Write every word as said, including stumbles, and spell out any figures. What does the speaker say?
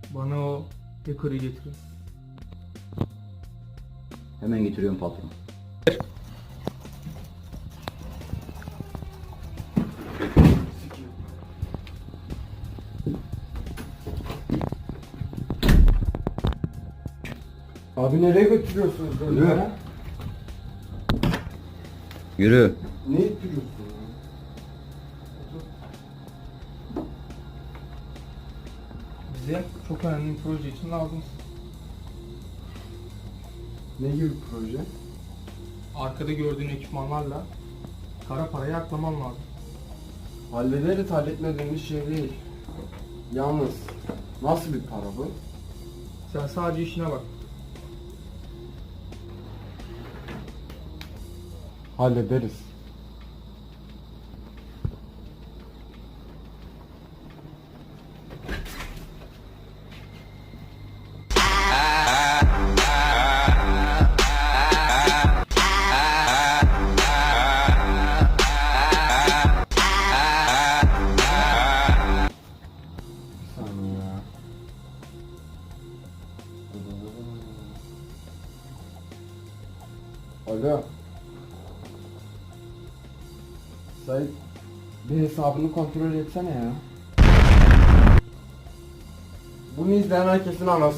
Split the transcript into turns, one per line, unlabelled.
Bana o hacker'ı getirin.
Hemen getiriyorum patron.
Abi nereye götürüyorsunuz böyle?
Yürü.
ha?
Yürü.
Ne ittiriyorsun ya?
Bize çok önemli bir proje için lazımsın.
Ne gibi proje?
Arkada gördüğün ekipmanlarla kara parayı aklaman lazım.
Hallederiz, halletmediğimiz şey değil. Yalnız nasıl bir para bu?
Sen sadece işine bak.
Hallederiz. Bir saniye ya. Alo. Sait, bir hesabını kontrol etsene ya. Bunu izleyen herkesin anası